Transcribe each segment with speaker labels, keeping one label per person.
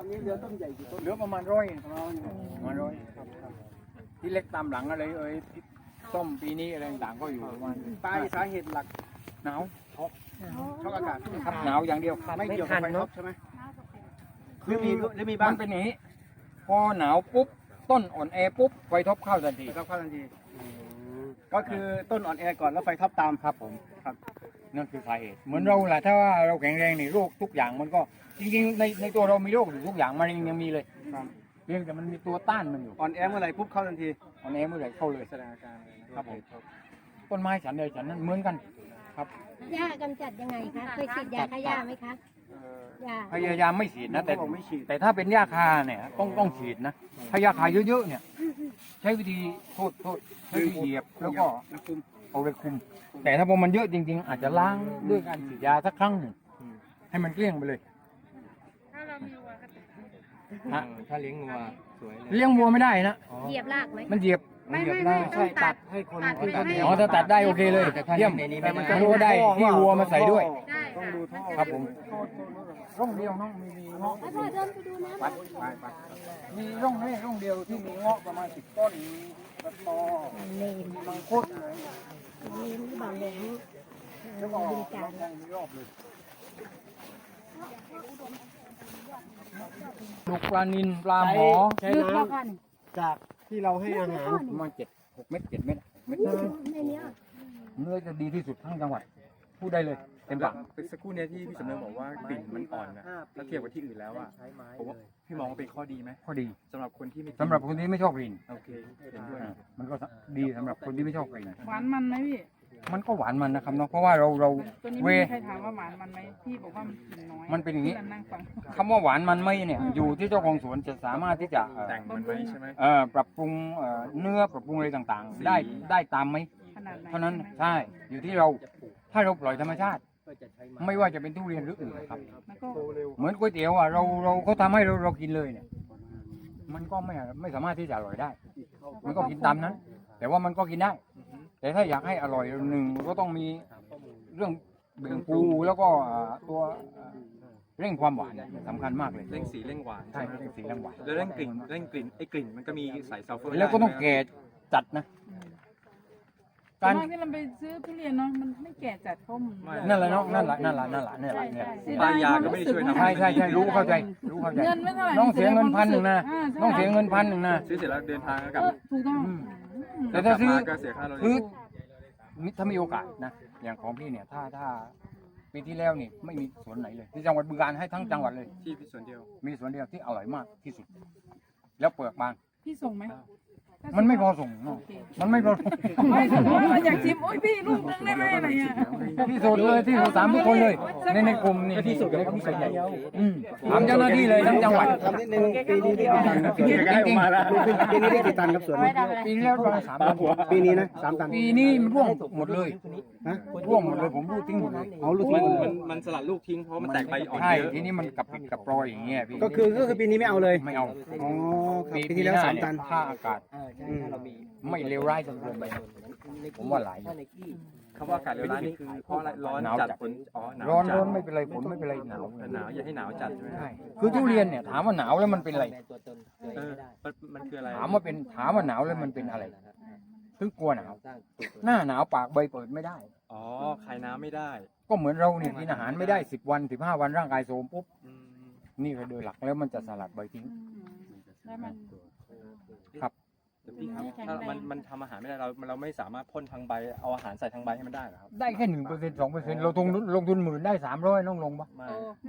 Speaker 1: อันนี้เหลือต้นใหญ่กี่ต้น
Speaker 2: เหลือประมาณ100ประมาณ100ที่เล็กตามหลังอะไรส้มปีนี้อะไรต่างๆก็อยู่ประมาณ
Speaker 1: ปลายสาเหตุหลัก
Speaker 2: หนาว
Speaker 1: ช็อกอากาศ
Speaker 2: ครับหนาวอย่างเดียว
Speaker 1: ไม่เกี่ยวกับไฟท็อปใช่ไหมหรือมีบ้าง
Speaker 2: มันเป็นอย่างนี้พอหนาวปุ๊บต้นอ่อนแอปุ๊บไฟท็อปเข้าทันที
Speaker 1: ไฟท็อปเข้าทันทีก็คือต้นอ่อนแอก่อนแล้วไฟท็อปตาม
Speaker 2: ครับผมครับนั่นคือสาเหตุเหมือนเราแหละถ้าว่าเราแข็งแรงนี่โรคทุกอย่างมันก็จริงๆในตัวเรามีโรคอยู่ทุกอย่างมันยังมีเลยเพียงแต่มันมีตัวต้านมันอยู่
Speaker 1: อ่อนแอเมื่อไหร่ปุ๊บเข้าทันที
Speaker 2: อ่อนแอเมื่อไหร่เข้าเลย
Speaker 1: แสดงอาการเลย
Speaker 2: ครับผมต้นไม้ฉันเลยฉันนั้นเหมือนกันครับ
Speaker 3: หญ้ากำจัดยังไงคะเคยฉีดยาฆ่าหญ้าไหมคะหญ้า
Speaker 2: พยายามไม่ฉีดนะแต่
Speaker 1: ผมไม่ฉีด
Speaker 2: แต่ถ้าเป็นหญ้าคาเนี่ยต้องฉีดนะถ้าหญ้าคาเยอะๆเนี่ยใช้วิธีโทษใช้วิธีเหยียบแล้วก็เอาไปคุมแต่ถ้าพอมันเยอะจริงๆ อาจจะล้างด้วยการฉีดยาสักครั้งหนึ่งให้มันเกลี้ยงไปเลย
Speaker 4: ถ้าเลี้ยงงัวสวยเลย
Speaker 2: เลี้ยงวัวไม่ได้นะ
Speaker 3: เหยียบรากไหม
Speaker 2: มันเหยียบ
Speaker 3: ไม่
Speaker 4: ใช่ตัดให้คน
Speaker 2: อ๋อถ้าตัดได้โอเคเลยเยี่ยมมันรู้ได้ที่วัวมาใส่ด้วย
Speaker 1: ต้องดูท่อ
Speaker 2: ครับผมร่องเดียวน้องมีเงาะ
Speaker 3: พ่อเดินไปดูนะ
Speaker 2: ไปมีร่องนี้ร่องเดียวที่มีเงาะประมาณ10 ต้นมีตะตอ
Speaker 3: เนม
Speaker 2: มังคุด
Speaker 3: เนมหรือเปล่าแหลม
Speaker 2: แล้วก็
Speaker 3: บึงการ
Speaker 2: มีรอบเลยลูกปลานิลปลาหมอ
Speaker 1: ใช้
Speaker 3: ลึก
Speaker 1: น้
Speaker 3: พอกัน
Speaker 1: ำจากที่เราให้อาหาร
Speaker 2: ประมาณ7-6 เม็ด7 เม็ด
Speaker 3: ในเนี้ย
Speaker 2: เนื้อจะดีที่สุดทั้งจังหวัดพูดได้เลยเต็มปาก
Speaker 4: เป็นสักครู่เนี้ยที่พี่สำเริงบอกว่ากลิ่นมันอ่อนนะถ้าเทียบกับที่อื่นแล้วอ่ะผมว่าพี่มองว่าเป็นข้อดีไหม
Speaker 2: ข้อดี
Speaker 4: สำหรับคนที่ไม่กิน
Speaker 2: สำหรับคนที่ไม่ชอบกลิ่น
Speaker 4: โอเคเห็นด้วย
Speaker 2: มันก็ดีสำหรับคนที่ไม่ชอบกลิ่น
Speaker 5: หวานมันไหมพี่
Speaker 2: มันก็หวานมันนะครับเนาะเพราะว่าเรา
Speaker 5: ตัวนี้
Speaker 2: เว
Speaker 5: ไม่มีใครถามว่าหวานมันไหมพี่บอกว่ามันกลิ่นน้อย
Speaker 2: มันเป็นอย่างนี้
Speaker 5: นี้นั่งฟัง
Speaker 2: คำว่าหวานมันไม่เนี่ยอยู่ที่เจ้าของสวนจะสามารถที่จะ
Speaker 4: แต่งมันไว้ใช่ไหม
Speaker 2: ปรับปรุงเนื้อปรับปรุงอะไรต่างๆ ได้ตามไหม
Speaker 5: ขนาดไหน
Speaker 2: เท่านั้นใช่อยู่ที่เราถ้าเราปล่อยธรรมชาติ ไม่ว่าจะเป็นทุเรียนหรืออื่นครับ
Speaker 5: มันก็
Speaker 2: เหมือนก๋วยเตี๋ยวอ่ะเราเขาทำให้เรากินเลยเนี่ยมันก็ไม่สามารถที่จะอร่อยได้ มันก็กินตามนั้น แต่ว่ามันก็กินได้ แต่ถ้าอยากให้อร่อยหนึ่งมันก็ต้องมีเรื่องเบ่งปูแล้วก็ตัวเร่งความหวานสำคัญมากเลย
Speaker 4: เร่งสีเร่งหวาน
Speaker 2: ใช่
Speaker 4: ไหม
Speaker 2: เร่งสีเร่งหวาน
Speaker 4: แล้วเร่งกลิ่นไอ้กลิ่นมันก็มีสายซัลเฟอร์
Speaker 2: แล้วก็ต้องแก่จัดนะ
Speaker 5: ตอ
Speaker 2: การ
Speaker 5: นที่เราไปซื้อทุเรียนเนาะมันไม่แก่จัดเพราะมัน
Speaker 2: นั่นแหละเนาะนั่นแหละเนี่ย
Speaker 4: ปลายาก็ไม่ได้ช่วยทำ
Speaker 2: ใช่รู้เข้าใจ
Speaker 5: เงินไม่เท่าไหร่
Speaker 2: น้องเสียเงิน1,000นะ
Speaker 5: าใช่
Speaker 2: น้องเสียเงิน1,000นะ
Speaker 4: ซื้อเสร็จแล้วเดินทางแล้วกลับ
Speaker 5: ถูกต้อง
Speaker 2: แต่ถ้าซื้อ
Speaker 4: ก็เสียค่ารถ
Speaker 2: คือถ้ามีโอกาสนะอย่างของพี่เนี่ยถ้าปีที่แล้วนี่ไม่มีสวนไหนเลยที่จังหวัดบึงกาฬให้ทั้งจังหวัดเลย
Speaker 4: ที่ส่วนเดียว
Speaker 2: มีสวนเดียวที่อร่อยมากที่สุด แล้วเปลือกบาง
Speaker 5: พี่ส่งไหม
Speaker 2: มันไม่พอส่งเนาะมันไม่พอส่ง
Speaker 5: ไม่ส่งว่าอยากชิมโอ้ยพี่ลูกนึงได้ไหมอะไรเงี้ย
Speaker 2: ที่สุดเลยที่สุด3 ทุกคนเลยในกลุ่มนี่ที่สุดในกลุ่มส่วนใหญ่ถามเจ้าหน้าที่เลยทั้งจังหวัด
Speaker 1: ทำนิดนึงปีนี้ได้กี่ตันครับ
Speaker 2: จริง
Speaker 1: ปีนี้ได้กี่ตันครับสวนนี้
Speaker 2: ๆปีที่แล้วประมาณ3 ตัน
Speaker 1: ปีนี้นะ3 ตัน
Speaker 2: ปีนี้มันร่วงหมดเลย
Speaker 1: ฮะ
Speaker 2: ร่วงหมดเลยผมรูดทิ้งหมดเลย
Speaker 1: เอาลูกทิ้ง
Speaker 4: มันสลัดลูกทิ้งเพราะมันแตกใบอ่อน
Speaker 2: ใช่
Speaker 4: เยอะ
Speaker 2: ทีนี้มันกับปิดกับปลอยอย่างเงี้ยพี่
Speaker 1: ก็คือปีนี้ไม่เอาเลย
Speaker 2: ไม่เอา
Speaker 1: อ๋อครับปีที่แล้ว
Speaker 2: หน้
Speaker 1: 3 ตัน
Speaker 2: ถ้าอากาศไม่เลวร้ายจนเกินไปผมว่าหลาย
Speaker 4: คำว่าอากาศเลวร้ายนี่คือเพราะอะไรร้อน
Speaker 2: หนาวจั
Speaker 4: จั
Speaker 2: ด
Speaker 4: ดฝนหนาว
Speaker 2: ร้อน
Speaker 4: จัด
Speaker 2: ร้อนไม่เป็นไรฝนไม่เป็นไรหนาว
Speaker 4: หนาวอย่าให้หนาวจัดใช่ไหม
Speaker 2: ใช่คือทุเรียนเนี่ยถามว่าหนาวแล้วมันเป็นอะไร
Speaker 4: เออมันคืออะไร
Speaker 2: ถามว่าหนาวแล้วมันเป็นอะไรคือกลัวหนาว หน้าหนาวปากใบเปิดไม่ได้
Speaker 4: อ๋อคายน้ำไม่ได้
Speaker 2: ก็เหมือนเราเนี่ยกินอาหารไม่ได้10 วัน15 วันร่างกายโทรมปุ๊บ
Speaker 4: อืม
Speaker 2: นี่ก็โดยหลักแล้วมันจะสลัดใบทิ้ง
Speaker 5: แล้วมัน
Speaker 2: ครับ
Speaker 4: แต่พี่ครับถ้ามันทำอาหารไม่ได้เราไม่สามารถพ่นทางใบเอาอาหารใส่ทางใบให้มันได้เหรอครับ
Speaker 2: ได้แค่1% 2%เราลงทุน10,000ได้300น้องลงปะ
Speaker 4: ไม่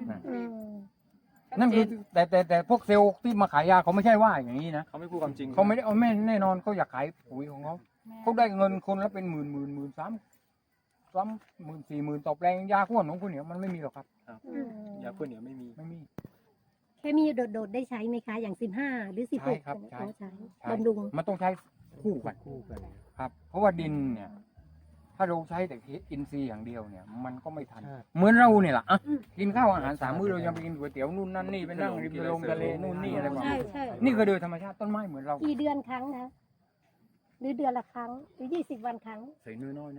Speaker 2: นั่นคือแต่พวกเซลล์ที่มาขายยาเขาไม่ใช่ว่าอย่างนี้นะ
Speaker 4: เขาไม่พูดความจริง
Speaker 2: เขาไม่ได้เอาแม่แน่นอนเขาอยากขายปุ๋ยของเขาได้เงินคนละเป็นหมื่น30,000 40,000ต่อแปลงยาข้วนของคุณเนี่ยมันไม่มีหรอกครับ
Speaker 4: ยาพ่นเหนียวไม่มี
Speaker 2: ไม่มี
Speaker 3: เคมีโดดๆได้ใช้ไหมคะอย่าง15หรือ16
Speaker 2: ใช่ครับใช่
Speaker 3: เขาใช้
Speaker 2: ใช่
Speaker 3: บำรุง
Speaker 2: มันต้องใช้คู่กันครับ เพราะว่าดินเนี่ย ถ้าเราใช้แต่อินทรีย์อย่างเดียวเนี่ย มันก็ไม่ทัน เหมือนเราเนี่ยแหละอ่ะกินข้าวอาหาร3 มื้อเรายังไปกินก๋วยเตี๋ยวนู่นนั่นนี่ไปนั่งริมลงทะเลนู่นนี่อะไรแบบ
Speaker 3: ใช่
Speaker 2: นี้
Speaker 3: ใช่
Speaker 2: นี่คือโดยธรรมชาติต้นไม้เหมือนเรา
Speaker 3: กี่เดือนครั้งนะหรือเดือนละครั้งหรือ20 วันครั้ง
Speaker 2: ใส่น้อยๆนะ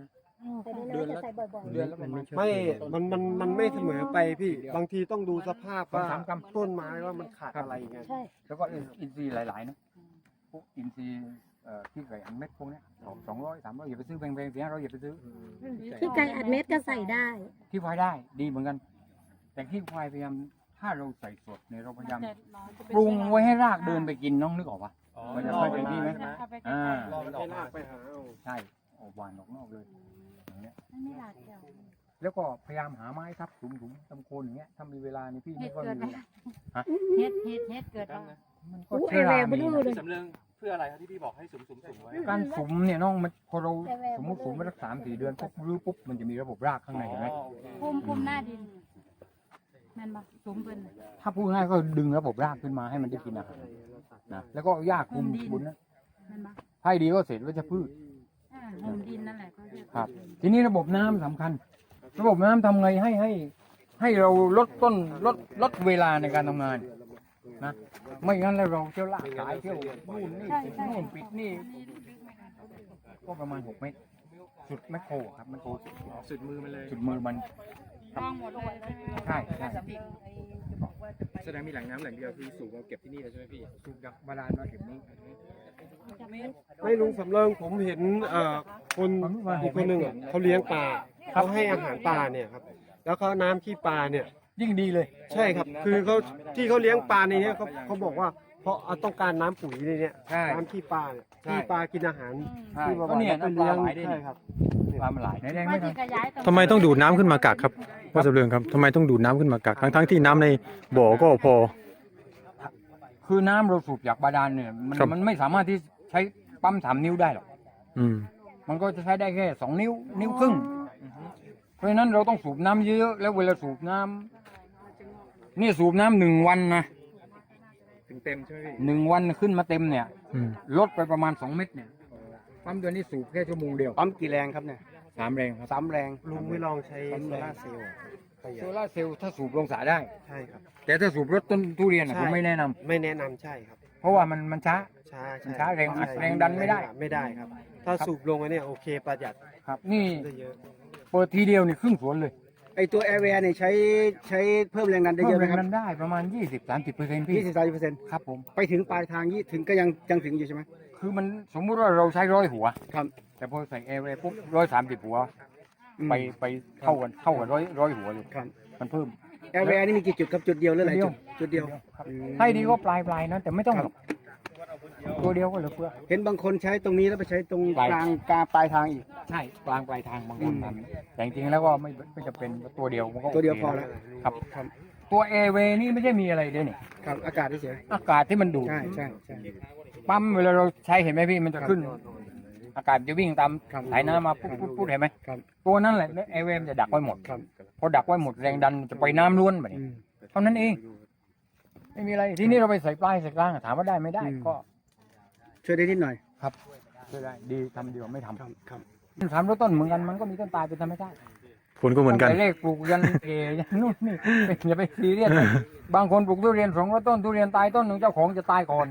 Speaker 3: แต่นี่เราจะใส่บ่อย
Speaker 2: เดือนละประมาณ
Speaker 1: ไม่มันไม่เสมอไปพี่ บางทีต้องดูสภาพว่า
Speaker 2: สามกรัม
Speaker 1: ต้นไม้ว่ามันขาดอะไรไง
Speaker 3: ๆ ใช่
Speaker 2: แล้วก็อินทรีย์หลายๆนะพวกอินทรีย์ที่ไก่อันเม็ดพวกเนี้ย200 300อย่าไปซื้อแพงๆ400อย่าไปซื้อ
Speaker 3: ที่ไก่อัดเม็ดก็ใส่ได้
Speaker 2: ขี้ควายได้ดีเหมือนกัน แต่ขี้ควายพยายามถ้าเราใส่สดเนี่ยเราพยายามปรุงไว้ให้รากเดินไปกินน้องนึกออกปะมันจะค่อยเป็นที่ไหมอ่าร
Speaker 1: อมันให้รากไปหาเอา
Speaker 2: ใช่ออกหวานออกนอกเลยอย่างเงี้ย
Speaker 3: ไม่หลากเดียว
Speaker 2: แล้วก็พยายามหาไม้ทับถุงๆตำโคนอย่างเงี้ยถ้ามีเวลานี่พี่ไม่ค่อยมีเวลา
Speaker 3: เฮ็ดเกิดแล้ว
Speaker 2: มันก็เชื้อรามีนะ
Speaker 4: สำเริงเพื่ออะไรครับที่พี่บอกให้สุ่มไว้
Speaker 2: การสุมเนี่ยน้องมันพอเราสมมติสุมไปสัก3-4 เดือนปุ๊บรื้อปุ๊บมันจะมีระบบรากข้างในเห็นไหม
Speaker 5: ภูมิหน้าดินแม่นบ่สูงเพิ่น
Speaker 2: ถ้าพูดง่ายก็ดึงระบบรากขึ้นมาให้มันได้กินอาหารนะแล้วก็หญ้าคลุมบนนั้น
Speaker 5: แม่นบ่
Speaker 2: ให้ดีก็เสร็จวัชพืช
Speaker 5: ห่มดินนั่นแหละเขาเรียก
Speaker 2: ครับ ทีนี้ระบบน้ำสำคัญ ระบบน้ำทำไงให้เราลดต้นลดเวลาในการทำงานนะไม่งั้นแล้วเราเที่ยวลากสายเที่ยวนู่นนี่ปิดนู่นปิดนี่ก็ประมาณ6 เมตรสุดแมคโครครับแมคโคร
Speaker 4: สุดมือมันเลย
Speaker 2: สุดมือมัน
Speaker 5: ต้องหมดเลยใช่ไหม
Speaker 2: ใช่ใช่
Speaker 4: แสดงมีแหล่งน้ำแหล่งเดียวคือสูบมาเก็บที่นี่เลยใช่ไหมพี่
Speaker 2: สูบจากบาดาลมาถึงนี้
Speaker 1: ไม่ลุงสำเริงผมเห็นคนอีกคนหนึ่งอะเขาเลี้ยงปลาเขาให้อาหารปลาเนี่ยครับ แล้วเขาน้ำขี้ปลาเนี่ย
Speaker 2: ยิ่งดีเลย
Speaker 1: ใช่ครับ คือเขาที่เขาเลี้ยงปลาในเนี้ยเขาบอกว่าเพราะต้องการน้ำปุ๋ยในเนี้ย
Speaker 2: ใช่
Speaker 1: น้ำขี้ปลาเนี่ย
Speaker 2: ใช่
Speaker 1: ขี้ปลากินอาหาร
Speaker 2: ใช่
Speaker 1: ที่
Speaker 2: ก็เนี่ย
Speaker 1: ไป
Speaker 2: น้ำปลา
Speaker 1: เลี้ยง
Speaker 2: ไหลได้
Speaker 1: ใช่ครับ
Speaker 2: ปลามันไหลไหนแดงไม่ทัน
Speaker 6: ทำไมต้องดูดน้ำขึ้นมากักครับพ่อสำเริงครับทำไมต้องดูดน้ำขึ้นมากักทั้งที่น้ำในบ่อก็พอ
Speaker 2: คือน้ำเราสูบจากบาดาลเนี่ย
Speaker 6: ครับ
Speaker 2: มันไม่สามารถที่ใช้ปั๊ม3 นิ้วได้หรอก
Speaker 6: อืม
Speaker 2: มันก็จะใช้ได้แค่2 นิ้วครึ่ง เพราะฉะนั้นเราต้องสูบน้ำเยอะๆแล้วเวลาสูบน้ำนี่สูบน้ำ1 วันนะ
Speaker 4: ถึงเต็มใช่ไหมพี่
Speaker 2: 1 วันขึ้นมาเต็มเนี่ย
Speaker 6: อืม
Speaker 2: ลดไปประมาณ2 เม็ดเนี่ยปั๊มตัวนี้สูบแค่ชั่วโมงเดียว
Speaker 1: ปั๊มกี่แรงครับเนี่ย
Speaker 2: 3 แรงครับ
Speaker 1: 3 แรงลุงไม่ลองใช้โซล่าร์เซลล์ประหยั
Speaker 2: โซ
Speaker 1: ด
Speaker 2: ล่าร์เซลล์ถ้าสูบลงสระได้
Speaker 1: ใช่ครับ
Speaker 2: แต่ถ้าสูบรถต้นทุเรียนอะ
Speaker 1: ใช่
Speaker 2: ผมไม่แนะนำ
Speaker 1: ไม่แนะนำใช่ครับ
Speaker 2: เพราะว่ามันช้า
Speaker 1: ช้า
Speaker 2: มันช้าแรงอัด
Speaker 1: ใช่
Speaker 2: แรงดันไม่ได้
Speaker 1: ไม่ได้ครับ ถ้าสูบลงอันเนี้ยโอเคประหยัด
Speaker 2: ครับ นี่
Speaker 1: ได้เยอะ
Speaker 2: เปิดทีเดียวนี่ครึ่งสวนเลย
Speaker 1: ไอตัวแอร์แวร์เนี่ยใช้เพิ่มแรงดันได้
Speaker 2: เพิ่
Speaker 1: เย
Speaker 2: ม
Speaker 1: อะไห
Speaker 2: แร
Speaker 1: ม
Speaker 2: ง
Speaker 1: ครับ
Speaker 2: ดันได้ประมาณ 20-30%พี่
Speaker 1: 20-30%
Speaker 2: ครับผม
Speaker 1: ไปถึงปลายทางยี่ถึงก็ยังถึงอยู่ใช่ไหม
Speaker 2: คือมันสมมุติว่าเราใช้100 หัว
Speaker 1: ครับ
Speaker 2: แต่พอใส่แอร์เวย์ปุ๊บ130 หัว ไปเท่ากันร้อยหัวเลย
Speaker 1: ครับ
Speaker 2: มันเพิ่ม
Speaker 1: แอร์แวร์นี่มีกี่จุดครับจุดเดียวหรือหลายจุดจุดเดียว
Speaker 2: ครับให้ดีก็ปลายนะแต่ไม่ต้องหรอกตัวเดียวก็เหลือเฟือ
Speaker 1: เห็นบางคนใช้ตรงนี้แล้วไปใช้ตรง
Speaker 2: ปลาย
Speaker 1: กลางปลายทางอีก
Speaker 2: ใช่กลางปลายทางบางคนทำแต่จริงๆแล้วก็ไม่จะเป็นตัวเดียวมันก็
Speaker 1: ตัวเดียว
Speaker 2: โค
Speaker 1: พอแล้ว
Speaker 2: ครับ
Speaker 1: ครับ
Speaker 2: ตัวแอร์เวย์นี่ไม่ใช่มีอะไรด้วยนี่
Speaker 1: ครับอากาศเฉย
Speaker 2: อากาศที่มันดูด
Speaker 1: ใช่ใช่ใช่
Speaker 2: ปั๊มเวลาเราใช้เห็นไหมพี่มันจะขึ้น อากาศจะวิ่งตาม
Speaker 1: ครับ
Speaker 2: สายน้ำมาปุ๊บเห็นไหม
Speaker 1: ครับ
Speaker 2: ตัวนั้นแหละแอร์เวย์มันจะดักไว้หมด
Speaker 1: ครับ
Speaker 2: พอดักไว้หมดแรงดันจะไปน้ำล้วนแบบนี้
Speaker 1: อืม
Speaker 2: เท่านั้นเอง ไม่มีอะไรทีนี้เราไปใส่ปลายใส่กลางถามว่าได้ไม่ได้
Speaker 1: อืม
Speaker 2: ก็
Speaker 1: ช่วยได้นิดหน่อย
Speaker 2: ครับช่วยได้ดีทำดีกว่าไม่ท
Speaker 1: ครับครับ
Speaker 2: ำ3 ต้นเหมือนกันมันก็มีต้นตายเป็นธรรมชาติ
Speaker 6: ผลก็เหมือนกัน
Speaker 2: ตั้งแต่เลขปลูกยันเกยันนู่นนี่อย่าไปซีเรียสบางคนปลูกทุเรียน200 ต้นทุเรียนตายต้นหนึ่งเจ้าของจะตายก่อน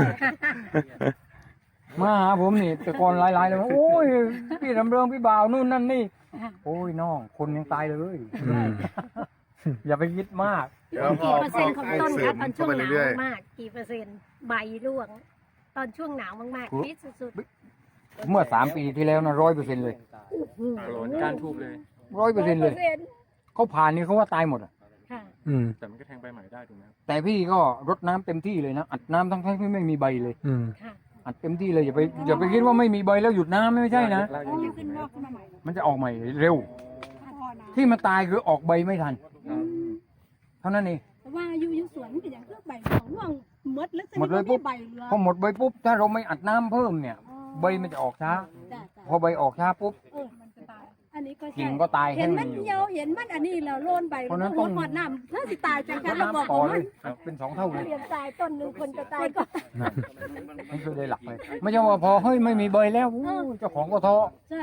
Speaker 2: มาหาผมนี่แต่ก่อนหลายๆเลยว่าโอ้ยพี่ลำเริงพี่บ่าวนู่นนั่นนี่โอ้ยน้องคนยังตายเลย
Speaker 6: อืม
Speaker 2: อย่าไปคิดมาก
Speaker 3: กี่เปอร์เซ็นต์ของต้นคะตอนช่วงหนาวมากๆกี่เปอร์เซ็นต์ใบร่วง ตอนช่วงหนาวมากๆฟิตสุด
Speaker 2: เมื่อ3 ปีที่แล้วนะ100%เลย
Speaker 4: โกรนก้านทูบเลย
Speaker 2: 100%เลยเขาผ่านนี่เขาว่าตายหมดอะ
Speaker 3: ค่ะ
Speaker 6: อืม
Speaker 4: แต่มันก็แทงใบใหม่ได้ถูกไหมครับ
Speaker 2: แต่พี่ก็รดน้ำเต็มที่เลยนะอัดน้ำทั้งที่ไม่มีใบเลย
Speaker 6: อืม
Speaker 3: ค่ะ
Speaker 2: อัดเต็มที่เลยอย่าไปคิดว่าไม่มีใบแล้วหยุดน้ำไม่ใช่นะ
Speaker 5: โอ้ยขึ้นงอกขึ้นมาใหม่
Speaker 2: มันจะออกใหม่เร็ว
Speaker 5: พอนะ
Speaker 2: ที่มันตายคือออกใบไม่ทันเท่านั้นเอง
Speaker 5: แต่ว่าอยู่สวนเป็นอย่างคือใบของร่วงหมดแล้ว
Speaker 2: หมดเลยปุ๊บ
Speaker 5: ใบเหลือ
Speaker 2: พอหมดใบปุ๊บถ้าเราไม่อัดน้ำเพิ่มเนี่ย ใบมันจะออกช้า
Speaker 5: จ้ะ
Speaker 2: พอใบออกช้าปุ๊บ
Speaker 5: มันจะตายอันนี้ก็ใช่
Speaker 2: กิ่งก็ตาย
Speaker 5: เห็น
Speaker 2: แห้ง
Speaker 5: มัน
Speaker 2: อยู่
Speaker 5: เหี่ยวเห็นมันอันนี้แล้วโลนใบ
Speaker 2: เพราะฉะนั้น
Speaker 5: หั
Speaker 2: ต้
Speaker 5: ว
Speaker 2: อง
Speaker 5: หอดน้ำถ้าสิตายจัง
Speaker 2: ร
Speaker 5: คะ
Speaker 2: ด
Speaker 5: เราบอก
Speaker 2: น้ำต่อ
Speaker 5: ว่า
Speaker 2: เล
Speaker 5: มัน
Speaker 2: ยเป็น2 เท่าเลย
Speaker 3: เรียนตายต้นหนึ่งคนจะตายก่อน
Speaker 2: นี่คือได้หลักเลยไม่ใช่ว่าพอเฮ้ยไม่มีใบแล้วอู้เจ้าของก็ท้อ
Speaker 5: ใช่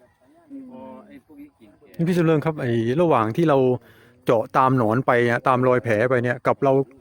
Speaker 6: นี่พี่สำเริงครับไอ้ระหว่างที่เราเจาะตามหนอนไปอะตามรอยแผลไปเนี่ยกับเรา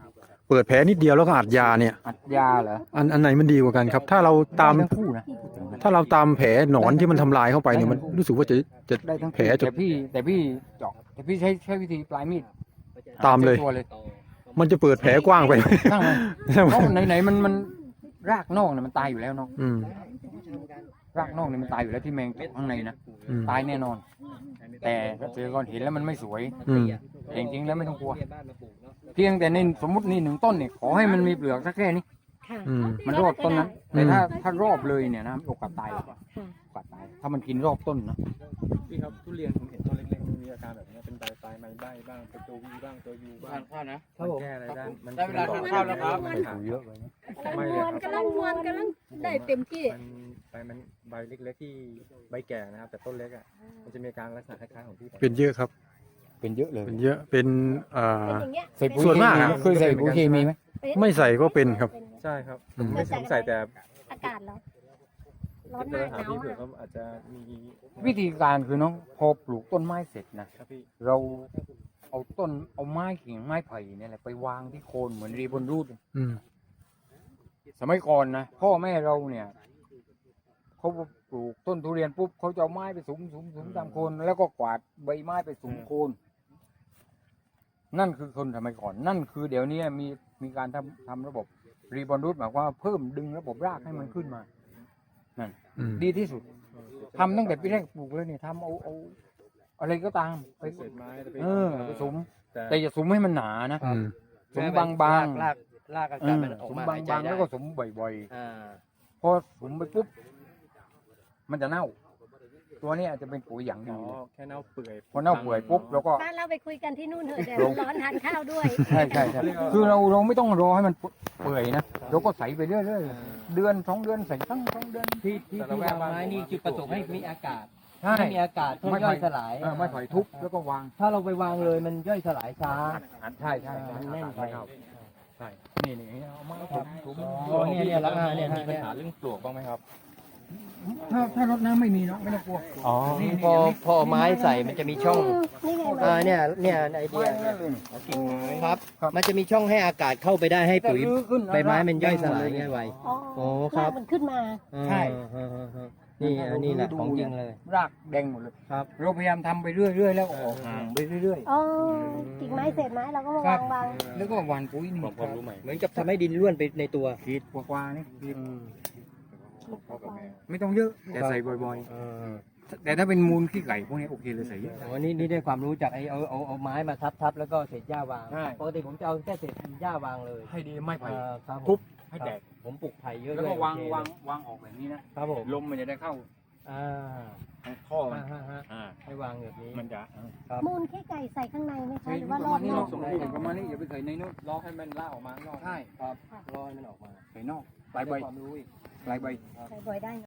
Speaker 6: เปิดแผลนิดเดียวแล้วก็อัดยาเนี่ย
Speaker 2: อัดยาเหรอ
Speaker 6: อันไหนมันดีกว่ากันครับ ถ้าเราตาม
Speaker 2: ได้ทั้งคู่นะ
Speaker 6: ถ้าเราตามแผลหนอนที่มันทำลายเข้าไปเนี่ยมันรู้สึกว่าจะ
Speaker 2: ได้ทั้ง
Speaker 6: แผลจะ
Speaker 2: แต่พี่เจาะแต่พี่ใช้วิธีปลายมีด
Speaker 6: ตามเลย
Speaker 2: ตัวเลย
Speaker 6: มันจะเปิดแผลกว้างไป
Speaker 2: ตั้งมันเพราะไหนมันรากนอกเนี่ยมันตายอยู่แล้วเนาะ
Speaker 6: อืม
Speaker 2: รากนอกเนี่ยมันตายอยู่แล้วที่แมงเจาะข้างในนะ
Speaker 6: อืม
Speaker 2: ตายแน่นอน แต่เกษตรกรเห็นแล้วมันไม่สวย
Speaker 6: อืม
Speaker 2: แต่จริงๆแล้วไม่ต้องกลัว เพียงแต่ในสมมตินี่1 ต้นเนี่ยขอให้มันมีเปลือกสักแค่นี้
Speaker 3: ค่ะ
Speaker 6: อืม
Speaker 2: มันรอบต้นนั้น
Speaker 6: อืม
Speaker 2: แต่ถ้ารอบเลยเนี่ยนะโอกาสตายโอกาสตาย ถ้ามันกินรอบต้นนะ
Speaker 4: พี่ครับทุเรียนผมเห็นต้นเล็กๆมันมีอาการแบบนี้เป็นใบปลายไม้ใบบ้างเป็นตัววีบ้างตัวยูบ้าง
Speaker 2: ข้าวนะ
Speaker 4: มันแก้อะไรได้มัน
Speaker 2: ได้เวลาทานข้าวแล้วครับ
Speaker 4: เยอะไปนะ
Speaker 3: กำลังมวนกำลังได้เต็มที่
Speaker 4: มันใบเล็กๆที่ใบแก่นะครับ แต่ต้นเล็กอ่ะมันจะมีอาการลักษณะคล้ายๆของพี่
Speaker 6: เป็นเยอะครับ
Speaker 2: เป็นเยอะเลย
Speaker 6: เป็นเยอะเป็น
Speaker 3: เป็นอย่างเงี้ย
Speaker 2: ใส่ปุ๋ย
Speaker 6: ส่วนมากอะ
Speaker 2: เคยใส่ปุ๋ยเคมีไหม
Speaker 6: ไม่ใส่ก็เป็นครับ
Speaker 4: ใช่ครับ
Speaker 6: อืม
Speaker 4: ไม่สงสัยแต่
Speaker 3: อากาศเหรอร้อน
Speaker 4: จะ
Speaker 3: มาก
Speaker 4: ถาม
Speaker 3: หนาว
Speaker 4: พี่เผื่อ
Speaker 3: มาก
Speaker 4: เขาอาจจะมี
Speaker 2: วิธีการคือน้องพอปลูกต้นไม้เสร็จนะครับ
Speaker 4: พี่
Speaker 2: เราเอาไม้กิ่งไม้ไผ่เนี่ยแหละไปวางที่โคนเหมือนรีบนรูด
Speaker 6: อืม
Speaker 2: สมัยก่อนนะพ่อแม่เราเนี่ยเขาปลูกต้นทุเรียนปุ๊บเขาจะเอาไม้ไปสุมตามโคนแล้วก็กวาดใบไม้ไปสุมโคน นั่นคือคนสมัยก่อน นั่นคือเดี๋ยวนี้มีการทำระบบรีบอนรูทหมายความว่าเพิ่มดึงระบบรากให้มันขึ้นมานั่น
Speaker 6: อืม
Speaker 2: ดีที่สุดทำตั้งแต่ปีแรกปลูกเลยเนี่ยทำเอาอะไรก็ตามไป
Speaker 4: เศษไม้ไป
Speaker 2: ไปสุม
Speaker 4: แต่
Speaker 2: แต่อย่าสุมให้มันหนานะ
Speaker 6: อืม
Speaker 2: สุมบางๆ
Speaker 7: ลากอา
Speaker 2: เอ
Speaker 7: การ
Speaker 2: อ
Speaker 7: มันออก
Speaker 2: สุม
Speaker 7: มา
Speaker 2: บางๆแล้วก็สุมบ่อย
Speaker 7: อ่า
Speaker 2: ๆพอสุมไปปุ๊บมันจะเน่า ตัวนี้อาจจะเป็นปุ๋ยอย่าง
Speaker 4: อ๋
Speaker 2: ดี
Speaker 4: อ
Speaker 2: เลย
Speaker 4: แค่เน่าเปื่อย
Speaker 2: พอเน่าเปื่อยปุ๊บแล้วก็
Speaker 3: บ้านเราไปคุยกันที่นู่นเถอะเดี๋ยวร้อนทานข้าวด้วย
Speaker 2: ใช่คือเราไม่ต้องรอให้มันเปื่อยนะเราก็ใส่ไปเรื่อยๆเดือน2 เดือนใส่ทั้ง2 เดือน
Speaker 7: ที่วางไม้นี่จุดประสงค์ให้มีอากาศ
Speaker 2: ใช่
Speaker 7: ให้มีอากาศเพื่อย่อยสลาย
Speaker 2: ไม้ไผ่ทุบแล้วก็วาง
Speaker 7: ถ้าเราไปวางเลยมันย่อยสลายช้า
Speaker 2: ใช่
Speaker 7: มันแน่นไป
Speaker 2: ใช่นี่เอาไม้ทุบ
Speaker 7: อ๋อเนี่ยแล้วเนี่ย
Speaker 4: มีปัญหาเรื่องปลวกบ้างไหมครับ
Speaker 2: ถ้ารดน้ำไม่มีเนาะไม่ต้องกลัว
Speaker 7: อ๋อพอไม้ใส่มันจะมีช่อง
Speaker 3: นี่ไง
Speaker 7: เนี่ยไอเดียครับ มันจะมีช่องให้อากาศเข้าไปได้ให้ปุ๋ยใบไม้มันย่อยสลายง่ายไว
Speaker 3: อ๋อ
Speaker 7: โอ้ครับ
Speaker 3: มันขึ้นมา
Speaker 2: ใช่
Speaker 7: นี่อันนี้แหละของจริงเลย
Speaker 2: รากแดงหมดเลย
Speaker 7: ครับ
Speaker 2: เราพยายามทำไปเรื่อยๆแล้วก็ออกห่างไปเรื่อย
Speaker 3: อ๋อกิ่งไม้เศษไม้เราก็มาวาง
Speaker 2: ๆแล้วก็หว่านปุ๋ยนี่
Speaker 4: ผมรู้ไหม
Speaker 7: เหมือนกับทำให้ดินร่วนไปในตัว
Speaker 2: ขีดกว่าๆนี่ขีดไม่ต้องเยอะแต่ใส่บ่อยๆ แต่ถ้าเป็นมูลขี้ไก่พวกนี้โอเคเลยใส่เยอะ
Speaker 7: อ๋อนี่ได้ความรู้จากเอาไม้มาทับแล้วก็เศษหญ้าวาง
Speaker 2: ใช่
Speaker 7: ปกติผมจะเอาแค่เศษหญ้าวางเลย
Speaker 2: ให้ดีไม่ไผ่
Speaker 7: ครับผม
Speaker 2: ทุบให้แตก
Speaker 7: ผมปลูกไผ่เยอะ
Speaker 2: แล้วก็
Speaker 7: ด้วย
Speaker 2: วาง
Speaker 7: โอเค
Speaker 2: วางออกแบบนี้นะครับ
Speaker 7: ผม
Speaker 2: ลมมันจะได้เข้า
Speaker 7: อ่า
Speaker 2: ทางท่อมัน
Speaker 7: ฮะ
Speaker 2: อ่า
Speaker 7: ให้วางแบบนี้
Speaker 2: มันจะ
Speaker 3: มูลขี้ไก่ใส่ข้างในไหมคะ
Speaker 2: ใช่
Speaker 3: หรือ
Speaker 2: ป
Speaker 3: ว่า
Speaker 2: ระ
Speaker 3: รอ
Speaker 2: มา
Speaker 3: บ
Speaker 2: ณนี้
Speaker 3: นอ
Speaker 2: เนาะ
Speaker 3: ก
Speaker 2: ประมาณนี้อย่าไปใส่ในนู้น
Speaker 4: รอให้มันล่าออกมาข้างนอก
Speaker 2: ใช่
Speaker 7: ครับรอยมันออกมา
Speaker 2: ใส่นอกปลายใบ
Speaker 7: ได้ความรู้อีก
Speaker 2: ปลายใบ
Speaker 3: ใส่บ่อยได้